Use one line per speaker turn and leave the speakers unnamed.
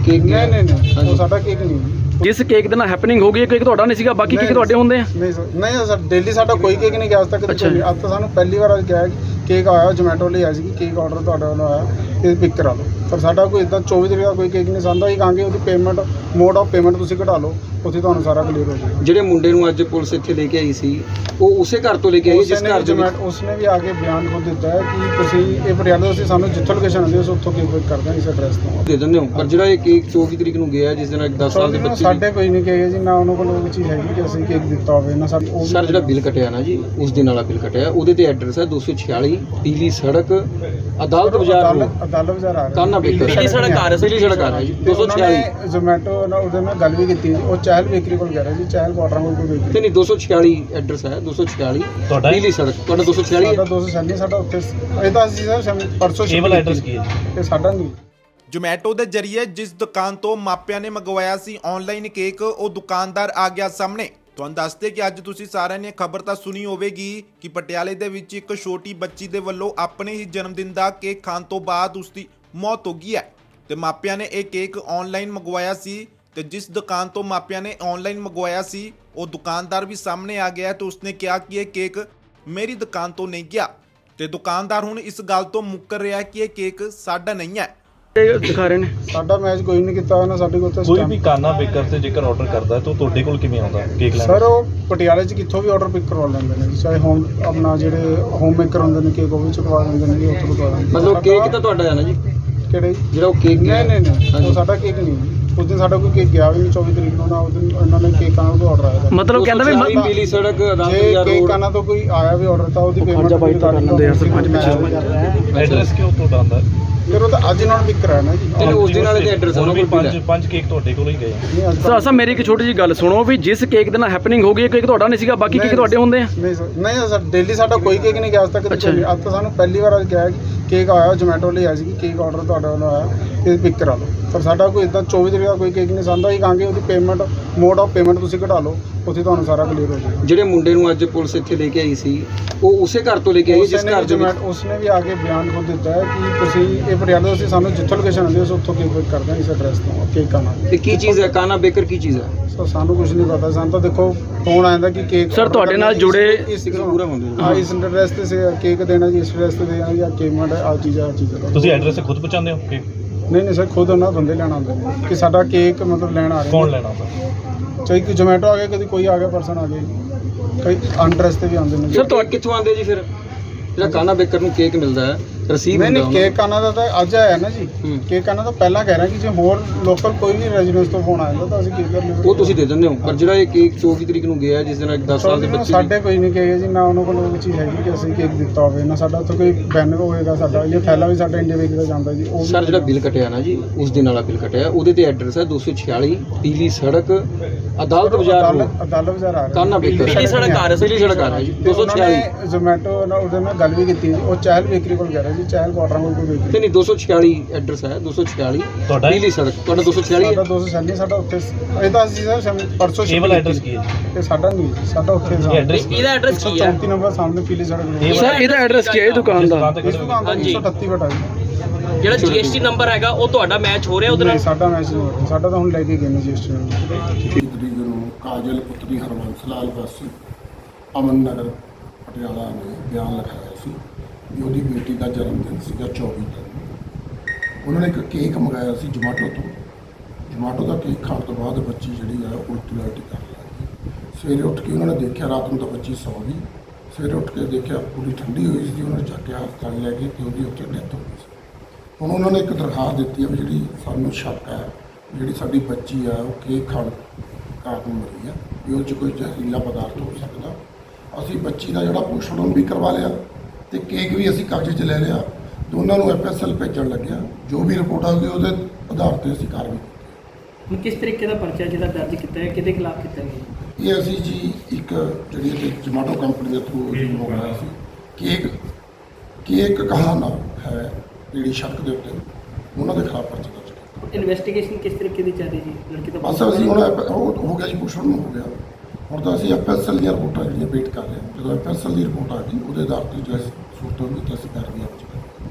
Cake
ਨਹੀਂ ਉਹ ਸਾਡਾ ਕੇਕ ਨਹੀਂ।
ਜਿਸ ਕੇਕ ਦੇ ਨਾਲ ਹੈਪਨਿੰਗ ਹੋ ਗਈ, ਕੇਕ ਤੁਹਾਡਾ ਨਹੀਂ ਸੀਗਾ, ਬਾਕੀ ਕੇਕ ਤੁਹਾਡੇ ਹੁੰਦੇ ਆ?
ਨਹੀਂ ਸਰ, ਡੇਲੀ ਸਾਡਾ ਕੋਈ ਕੇਕ ਨਹੀਂ ਗਿਆ ਅੱਜ ਤੱਕ। ਅੱਜ ਤਾਂ ਸਾਨੂੰ ਪਹਿਲੀ ਵਾਰ ਅੱਜ ਕਿਹਾ ਕੇਕ ਆਇਆ, ਜੋਮੈਟੋ ਲਈ ਆਇਆ ਸੀ ਕਿ ਕੇਕ ਆਰਡਰ ਤੁਹਾਡੇ ਵੱਲੋਂ ਆਇਆ ਤੇ ਪਿਕ ਕਰਾ ਲਓ, ਪਰ ਸਾਡਾ ਕੋਈ ਇਦਾਂ 24 ਤਰੀਕ ਦਾ ਕੋਈ ਕੇਕ ਨਹੀਂ ਸਾਂਦਾ। ਹੀ ਕਹਾਂਗੇ ਉਹਦੀ ਪੇਮੈਂਟ, ਮੋਡ ਆਫ ਪੇਮੈਂਟ ਤੁਸੀਂ ਘਟਾ ਲਓ, ਉੱਥੇ ਤੁਹਾਨੂੰ ਸਾਰਾ ਕਲੀਅਰ ਹੋ ਜਾਏਗਾ।
ਜਿਹੜੇ ਮੁੰਡੇ ਨੂੰ ਅੱਜ ਪੁਲਿਸ ਇੱਥੇ ਲੈ ਕੇ ਆਈ ਸੀ, ਉਹ ਉਸੇ ਘਰ ਤੋਂ ਲੈ ਕੇ ਆਈ ਜਿਸ ਘਰ ਦੇ ਵਿੱਚ
ਉਸਨੇ ਵੀ ਆ ਕੇ ਬਿਆਨ ਖੁਦ ਦਿੱਤਾ ਹੈ ਕਿ ਤੁਸੀਂ ਇਹ ਪਟਿਆਲਾ ਅਸੀਂ ਸਾਨੂੰ ਜਿੱਥੋਂ ਲੋਕੇਸ਼ਨ ਆਉਂਦੀ ਉਸ ਉੱਥੋਂ ਕੇਕ ਪਿਕ ਕਰਦੇ ਹਾਂ ਇਸ ਐਡਰੈਸ ਤੋਂ
ਦੇ ਦਿੰਦੇ ਹੋ। ਪਰ ਜਿਹੜਾ ਇਹ ਕੇਕ 24 ਤਰੀਕ ਨੂੰ ਗਿਆ ਜਿਸ ਦਿਨ 10 ਸਾਲ ਦੇ ਬੱਚੇ
ਸਾਡੇ ਕੋਈ ਨਹੀਂ ਕਹੇਗਾ ਜੀ, ਨਾ ਉਹਨਾਂ ਕੋਲ ਉਹ ਚੀਜ਼ ਹੈਗੀ ਕਿ ਅਸੀਂ ਕੇਕ ਦਿੱਤਾ ਹੋਵੇ ਨਾ ਸਾਡੀ।
ਸਰ ਜਿਹੜਾ ਬਿੱਲ ਕਟਿਆ ਨਾ ਜੀ, ਉਸ ਦਿਨ ਵਾਲਾ ਬਿੱਲ ਕਟਿਆ, ਉਹਦੇ ਤੇ ਐਡਰੈਸ ਹੈ 246 ਪੀਲੀ ਸੜਕ, ਅਦਾਲਤ ਬਾਜ਼ਾਰ
ਆ ਰਿਹਾ
ਕਾਨਾ ਬੇਕਰ, ਪੀਲੀ ਸੜਕ ਆ ਰਿਹਾ ਜੀ 246।
ਜ਼ੋਮੈਟੋ ਨਾਲ ਉਹਦੇ ਨਾਲ ਗੱਲ ਵੀ ਕੀਤੀ, ਉਹ ਚਹਿਲ ਬੇਕਰੀ ਕੋਲ ਕਹਿ ਰਿਹਾ ਜੀ, ਚਹਿਲ ਕੁਆਟਰਾਂ ਕੋਲ ਕੋਈ ਬੇਕਰੀ
ਨਹੀਂ 246 ਐਡਰੈਸ ਹੈ 246 ਪੀਲੀ ਸੜਕ। ਤੁਹਾਡਾ 246
ਸਾਡਾ 246 ਸਾਡਾ ਉੱਥੇ ਇਹਦਾ ਅਸੀਂ ਸਰ ਪਰਸੋਂ
ਕੇਵਲ ਐਡਰੈਸ ਕੀ ਹੈ
ਇਹ ਸਾਡਾ ਨਹੀਂ।
ਜੋਮੈਟੋ ਦੇ ਜ਼ਰੀਏ ਜਿਸ ਦੁਕਾਨ ਤੋਂ ਮਾਪਿਆਂ ਨੇ ਮੰਗਵਾਇਆ ਸੀ ਆਨਲਾਈਨ ਕੇਕ, ਉਹ ਦੁਕਾਨਦਾਰ ਆ ਗਿਆ ਸਾਹਮਣੇ। ਤੁਹਾਨੂੰ ਦੱਸਦੇ ਕਿ ਅੱਜ ਤੁਸੀਂ ਸਾਰਿਆਂ ਨੇ ਖਬਰ ਤਾਂ ਸੁਣੀ ਹੋਵੇਗੀ ਕਿ ਪਟਿਆਲੇ ਦੇ ਵਿੱਚ ਇੱਕ ਛੋਟੀ ਬੱਚੀ ਦੇ ਵੱਲੋਂ ਆਪਣੇ ਹੀ ਜਨਮ ਦਿਨ ਦਾ ਕੇਕ ਖਾਣ ਤੋਂ ਬਾਅਦ ਉਸ ਦੀ ਮੌਤ ਹੋ ਗਈ ਹੈ ਤੇ ਮਾਪਿਆਂ ਨੇ ਇਹ ਕੇਕ ਆਨਲਾਈਨ ਮੰਗਵਾਇਆ ਸੀ ਤੇ ਜਿਸ ਦੁਕਾਨ ਤੋਂ ਮਾਪਿਆਂ ਨੇ ਆਨਲਾਈਨ ਮੰਗਵਾਇਆ ਸੀ ਉਹ ਦੁਕਾਨਦਾਰ ਵੀ ਸਾਹਮਣੇ ਆ ਗਿਆ ਤੇ ਉਸਨੇ ਕਿਹਾ ਕਿ ਇਹ ਕੇਕ ਮੇਰੀ ਦੁਕਾਨ ਤੋਂ ਨਹੀਂ ਗਿਆ ਤੇ ਦੁਕਾਨਦਾਰ ਹੁਣ ਇਸ ਗੱਲ ਤੋਂ ਮੁੱਕਰ ਰਿਹਾ ਕਿ ਇਹ ਕੇਕ ਸਾਡਾ ਨਹੀਂ ਹੈ।
ਦਿਖਾ ਰਹੇ ਨੇ
ਸਾਡਾ ਮੈਚ ਕੋਈ ਨਹੀਂ ਕੀਤਾ ਉਹਨਾਂ ਸਾਡੇ ਕੋਲ।
ਕੋਈ ਵੀ ਕਾਨਾ ਬੇਕਰ ਤੇ ਜੇਕਰ ਆਰਡਰ ਕਰਦਾ ਤਾਂ ਤੁਹਾਡੇ ਕੋਲ ਕਿਵੇਂ ਆਉਂਦਾ ਕੇਕ ਲੈਣ?
ਸਰ ਉਹ ਪਟਿਆਲੇ 'ਚ ਕਿੱਥੋਂ ਵੀ ਆਰਡਰ ਪਿਕ ਕਰਵਾ ਲੈਂਦੇ ਨੇ, ਚਾਹੇ ਹੋਮ ਆਪਣਾ ਜਿਹੜੇ ਹੋਮ ਮੇਕਰ ਹੁੰਦੇ ਨੇ ਕੇਕ ਉਹ ਵੀ ਚੁਕਵਾ ਦਿੰਦੇ ਨੇ, ਉੱਥੋਂ ਕਰਵਾ ਦਿੰਦੇ ਨੇ।
ਮਤਲਬ ਕੇਕ ਤਾਂ ਤੁਹਾਡਾ ਹੈ ਨਾ ਜੀ?
ਕਿਹੜੇ
ਜਿਹੜਾ ਉਹ ਕੇਕ
ਨਹੀਂ ਉਹ ਸਾਡਾ ਕੇਕ ਨਹੀਂ। ਉਸ ਦਿਨ ਸਾਡਾ ਕੋਈ ਕੇਕ ਗਿਆ ਵੀ ਨਹੀਂ 24 ਤਰੀਕ ਨੂੰ ਨਾ, ਉਸ ਦਿਨ ਉਹਨਾਂ ਨੇ ਕੇਕ ਆਣਾ ਤੋਂ ਆਰਡਰ ਆਇਆ।
ਮਤਲਬ ਕਹਿੰਦਾ ਵੀ
ਪੀਲੀ ਸੜਕ ਅਦਾਲਤ
ਜੇ
ਬਾਜ਼ਾਰ
ਕੇਕ ਆਣਾ ਤੋਂ ਕੋਈ ਆਇਆ ਵੀ ਆਰਡਰ ਤਾਂ ਉਹਦੀ ਪੇਮੈਂਟ
ਐਡਰੈਸ ਕਿਉਂ ਤੁਹਾਡਾ ਆਉਂਦਾ?
ਫਿਰ ਉਹ ਤਾਂ ਅੱਜ ਨਾਲ ਪਿਕ ਕਰਾਇਆ ਨਾ ਜੀ।
ਤੇ ਉਸ ਦਿਨ ਵਾਲੇ ਦੇ ਐਡਰੈਸ ਉਹਨਾਂ ਕੋਲ
ਪੰਜ ਕੇਕ ਤੁਹਾਡੇ ਕੋਲ ਹੀ ਗਏ।
ਸਰ ਮੇਰੀ ਇੱਕ ਛੋਟੀ ਜਿਹੀ ਗੱਲ ਸੁਣੋ, ਵੀ ਜਿਸ ਕੇਕ ਦੇ ਨਾਲ ਹੈਪਨਿੰਗ ਹੋ ਗਈ, ਕੇਕ ਤੁਹਾਡਾ ਨਹੀਂ ਸੀਗਾ, ਬਾਕੀ ਕੇਕ ਤੁਹਾਡੇ ਹੁੰਦੇ ਆ?
ਨਹੀਂ ਸਰ, ਡੇਲੀ ਸਾਡਾ ਕੋਈ ਕੇਕ ਨਹੀਂ ਗਿਆ ਅੱਜ ਤੱਕ। ਅੱਜ ਤਾਂ ਸਾਨੂੰ ਪਹਿਲੀ ਵਾਰ ਅੱਜ ਕਿਹਾ ਕੇਕ ਆਇਆ, ਜੋਮੈਟੋ ਲਈ ਆਇਆ ਸੀ ਕਿ ਕੇਕ ਆਰਡਰ ਤੁਹਾਡੇ ਵੱਲੋਂ ਆਇਆ ਤੇ ਪਿਕ ਕਰਾ ਲਓ, ਪਰ ਸਾਡਾ ਕੋਈ ਇਦਾਂ 24 ਤਰੀਕ ਦਾ ਕੋਈ ਕੇਕ ਨਹੀਂ ਸਾਂਦਾ। ਹੀ ਕਹਾਂਗੇ ਉਹਦੀ ਪੇਮੈਂਟ, ਮੋਡ ਆਫ ਪੇਮੈਂਟ ਤੁਸੀਂ ਘਟਾ ਲਓ, ਉੱਥੇ ਤੁਹਾਨੂੰ ਸਾਰਾ ਕਲੀਅਰ ਹੋ ਜਾਏਗਾ।
ਜਿਹੜੇ ਮੁੰਡੇ ਨੂੰ ਅੱਜ ਪੁਲਿਸ ਇੱਥੇ ਲੈ ਕੇ ਆਈ ਸੀ, ਉਹ ਉਸੇ ਘਰ ਤੋਂ ਲੈ ਕੇ ਆਈ ਜਿਸ ਘਰ ਦੇ ਵਿੱਚ
ਉਸਨੇ ਵੀ ਆ ਕੇ ਬਿਆਨ ਖੁਦ ਦਿੱਤਾ ਹੈ ਕਿ ਤੁਸੀਂ ਇਹ ਪਟਿਆਲਾ ਅਸੀਂ ਸਾਨੂੰ ਜਿੱਥੋਂ ਲੋਕੇਸ਼ਨ ਆਉਂਦੀ ਉਸ ਉੱਥੋਂ ਕੇਕ ਪਿਕ ਕਰਦੇ ਹਾਂ ਇਸ ਐਡਰੈਸ ਤੋਂ ਕੇਕ ਆਣਾ।
ਤੇ ਕੀ ਚੀਜ਼ ਹੈ ਕਾਨਾ ਬੇਕਰ, ਕੀ ਚੀਜ਼ ਹੈ?
ਸੋ ਸਾਨੂੰ ਕੁਝ ਨਹੀਂ ਪਤਾ, ਸਾਨੂੰ ਤਾਂ ਦੇਖੋ ਫੋਨ ਆਇਆ ਕਿ ਕੇਕ
ਸਰ ਤੁਹਾਡੇ ਨਾਲ ਜੁੜੇ
ਇਸ ਐਡਰੈਸ ਤੇ ਕੇਕ ਦੇਣਾ ਜੀ, ਇਸ ਐਡਰੈਸ ਤੇ ਦੇਣਾ ਜੀ, ਪੇਮੈਂਟ ਆ ਚੀਜ਼
ਤੁਸੀਂ ਐਡਰੈਸ ਖੁਦ ਪਹੁੰਚਾਉਂਦੇ ਹੋ ਕੇਕ?
ਨਹੀਂ ਸਰ, ਖੁਦ ਉਹਨਾਂ ਬੰਦੇ ਲੈਣ ਆਉਂਦੇ ਨੇ ਕਿ ਸਾਡਾ ਕੇਕ ਮਤਲਬ ਲੈਣ ਆ ਰਹੇ।
ਕੌਣ ਲੈਣਾ ਆਉਂਦਾ?
ਚਾਹੇ ਕਿ ਜੋਮੈਟੋ ਆ ਗਿਆ, ਕਦੀ ਕੋਈ ਆ ਗਿਆ ਪਰਸਨ ਆ ਗਿਆ, ਕਈ ਅਨਡਰੈਸ ਤੇ ਵੀ ਆਉਂਦੇ ਨੇ।
ਸਰ ਤੁਹਾਡੇ ਕਿੱਥੋਂ ਆਉਂਦੇ ਜੀ? ਫਿਰ ਜਿਹੜਾ ਕਾਨਾ ਬੇਕਰ ਨੂੰ ਕੇਕ ਮਿਲਦਾ ਹੈ ਰਸੀਦ
ਨਹੀਂ ਕੇਕ ਆਣਾ ਦਾ ਤਾਂ ਅੱਜ ਆਇਆ ਨਾ ਜੀ। ਕੇਕ ਆਣਾ ਤਾਂ ਪਹਿਲਾਂ ਕਹਿ ਰਿਹਾ ਕਿ ਜੇ ਹੋਰ ਲੋਕਲ ਕੋਈ ਵੀ ਰੈਜ਼ੀਡੈਂਸ ਤੋਂ ਫੋਨ ਆ ਜਾਂਦਾ ਤਾਂ ਅਸੀਂ ਕੀ ਕਰਨਾ,
ਉਹ ਤੁਸੀਂ ਦੇ ਦਿੰਦੇ ਹੋ। ਪਰ ਜਿਹੜਾ ਇਹ ਕੇਕ 24 ਤਰੀਕ ਨੂੰ ਗਿਆ ਜਿਸ ਦਿਨ 10 ਸਾਲ ਦੇ ਬੱਚੇ,
ਸਾਡੇ ਕੋਈ ਨਹੀਂ ਕਹੇਗਾ ਜੀ, ਨਾ ਉਹਨਾਂ ਕੋਲ ਉਹ ਚੀਜ਼ ਹੈਗੀ ਕਿ ਅਸੀਂ ਕੇਕ ਦਿੱਤਾ ਹੋਵੇ ਨਾ ਸਾਡਾ ਉੱਥੇ ਕੋਈ ਬੈਨਰ ਹੋਏਗਾ। ਸਾਡਾ ਇਹ ਥੈਲਾ ਵੀ ਸਾਡਾ ਇੰਡੀਆ ਵੇਚਦਾ ਜਾਂਦਾ ਜੀ। ਉਹ
ਸਰ ਜਿਹੜਾ ਬਿੱਲ ਕਟਿਆ ਨਾ ਜੀ, ਉਸ ਦਿਨ ਵਾਲਾ ਬਿੱਲ ਕਟਿਆ, ਉਹਦੇ ਤੇ ਐਡਰੈਸ ਹੈ 246 ਪੀਲੀ ਸੜਕ, ਅਦਾਲਤ ਬਾਜ਼ਾਰ
ਆ ਰਿਹਾ
ਕਾਨਾ ਬੇਕਰ, ਪੀਲੀ ਸੜਕ ਆ ਰਿਹਾ ਜੀ 246।
ਜ਼ੋਮੈਟੋ ਨਾਲ ਉਹਦੇ ਨਾਲ ਗੱਲ ਵੀ ਕੀਤੀ, ਉਹ ਚਹਿਲ ਬੇਕਰੀ ਕੋਲ ਕਹਿ ਰਿਹਾ ਜੀ, ਚਹਿਲ ਕੁਆਟਰਾਂ ਕੋਲ ਕੋਈ ਬੇਕਰੀ
ਨਹੀਂ 246 ਐਡਰੈਸ ਹੈ 246 ਪੀਲੀ ਸੜਕ। ਤੁਹਾਡਾ 246
ਸਾਡਾ 246 ਸਾਡਾ ਉੱਥੇ ਇਹਦਾ ਅਸੀਂ ਸਰ ਪਰਸੋਂ
ਕੇਵਲ ਐਡਰੈਸ ਕੀ ਹੈ?
ਇਹ ਸਾਡਾ ਨਹੀਂ, ਸਾਡਾ ਉੱਥੇ
ਇਹਦਾ ਐਡਰੈਸ ਕੀ ਹੈ?
34 ਨੰਬਰ ਸਾਹਮਣੇ ਪੀਲੀ ਸੜਕ।
ਸਰ ਇਹਦਾ ਐਡਰੈਸ ਕੀ ਹੈ ਦੁਕਾਨ ਦਾ?
ਇਸ ਦੁਕਾਨ ਦਾ 138 ਬਟਾ ਜੀ।
ਜਿਹੜਾ GST ਨੰਬਰ ਹੈਗਾ ਉਹ ਤੁਹਾਡਾ ਮੈਚ ਹੋ ਰਿਹਾ ਉਹਦੇ ਨਾਲ?
ਸਾਡਾ ਮੈਚ ਨਹੀਂ ਹੋ ਰਿਹਾ, ਸਾਡਾ ਤਾਂ ਹੁਣ ਲੈ ਕੇ ਗਏ ਨੇ GST ਨੂੰ।
ਤਰੀਕ ਨੂੰ ਕਾਜਲ ਪੁੱਤਰੀ ਹਰਬੰਸ ਲਾਲ ਵਾਸੀ ਅਮਨ ਨਗਰ ਪਟਿਆਲਾ ਨੇ ਬਿਆਨ ਲਿਖਾਇਆ ਸੀ ਵੀ ਉਹਦੀ ਬੇਟੀ ਦਾ ਜਨਮ ਦਿਨ ਸੀਗਾ 24 ਨੂੰ। ਉਹਨਾਂ ਨੇ ਇੱਕ ਕੇਕ ਮੰਗਾਇਆ ਸੀ ਜੋਮੈਟੋ ਤੋਂ। ਜੋਮੈਟੋ ਦਾ ਕੇਕ ਖਾਣ ਤੋਂ ਬਾਅਦ ਬੱਚੀ ਜਿਹੜੀ ਆ ਉਲਟੀ ਉਲਟੀ ਕਰਨ ਲੱਗੀ। ਸਵੇਰੇ ਉੱਠ ਕੇ ਉਹਨਾਂ ਨੇ ਦੇਖਿਆ, ਰਾਤ ਨੂੰ ਤਾਂ ਬੱਚੀ ਸੌ ਗਈ, ਸਵੇਰੇ ਉੱਠ ਕੇ ਦੇਖਿਆ ਪੂਰੀ ਠੰਡੀ ਹੋਈ ਸੀ। ਉਹਨਾਂ ਨੇ ਚੱਕ ਕੇ ਹਸਪਤਾਲ ਲੈ ਗਏ ਤੇ ਉਹਦੀ ਉੱਥੇ ਡੈਥ ਹੋ ਗਈ ਸੀ। ਹੁਣ ਉਹਨਾਂ ਨੇ ਇੱਕ ਦਰਖਾਸਤ ਦਿੱਤੀ ਹੈ ਵੀ ਜਿਹੜੀ ਸਾਨੂੰ ਸ਼ੱਕ ਹੈ ਜਿਹੜੀ ਸਾਡੀ ਬੱਚੀ ਆ ਉਹ ਕੇਕ ਖਾਣ ਕਾਰਨ ਮਰੀ ਆ, ਵੀ ਉਹ 'ਚ ਕੋਈ ਜ਼ਹਿਰੀਲਾ ਪਦਾਰਥ ਹੋ ਸਕਦਾ। ਅਸੀਂ ਬੱਚੀ ਦਾ ਜਿਹੜਾ ਪੋਸਟਮਾਰਟਮ ਵੀ ਕਰਵਾ ਲਿਆ ਤੇ ਕੇਕ ਵੀ ਅਸੀਂ ਕਬਜ਼ੇ 'ਚ ਲੈ ਲਿਆ। ਦੋਨਾਂ ਨੂੰ FSL ਭੇਜਣ ਲੱਗਿਆ। ਜੋ ਵੀ ਰਿਪੋਰਟ ਆਊਗੀ ਉਹਦੇ ਆਧਾਰ 'ਤੇ ਅਸੀਂ ਕਾਰਵਾਈ ਕੀਤੀ।
ਹੁਣ ਕਿਸ ਤਰੀਕੇ ਦਾ ਪਰਚਾ ਜਿਹੜਾ ਦਰਜ ਕੀਤਾ ਹੈ, ਕਿਹਦੇ ਖਿਲਾਫ ਕੀਤਾ ਗਿਆ?
ਇਹ ਅਸੀਂ ਜੀ ਇੱਕ ਜਿਹੜੀ ਜੋਮੈਟੋ ਕੰਪਨੀ ਦੇ ਥਰੂ ਮੰਗਵਾਇਆ ਸੀ ਕੇਕ ਕਹਾਣਾ ਹੈ ਜਿਹੜੀ ਸ਼ੱਕ ਦੇ ਉੱਤੇ, ਉਹਨਾਂ ਦੇ ਖਿਲਾਫ ਪਰਚਾ ਦਰਜ ਕੀਤਾ।
ਇਨਵੈਸਟੀਗੇਸ਼ਨ ਕਿਸ ਤਰੀਕੇ ਦੀ ਚੱਲ ਰਹੀ ਜੀ ਲੜਕੀ ਦਾ?
ਬਸ ਅਸੀਂ ਹੁਣ ਹੋ ਗਿਆ ਜੀ, ਪੋਸਟਮਾਰਟਮ ਹੋ ਗਿਆ। ਹੁਣ ਤਾਂ ਅਸੀਂ FSL ਦੀਆਂ ਰਿਪੋਰਟਾਂ ਜਿਹੜੀਆਂ ਵੇਟ ਕਰ ਰਹੇ ਹਾਂ। ਜਦੋਂ FSL ਦੀ ਰਿਪੋਰਟ ਆ ਗਈ ਉਹਦੇ ਆਧਾਰ 'ਤੇ ਜੋ ਸੂਰਤ ਹੋਈ ਤਾਂ ਅਸੀਂ ਕਾਰਵਾਈ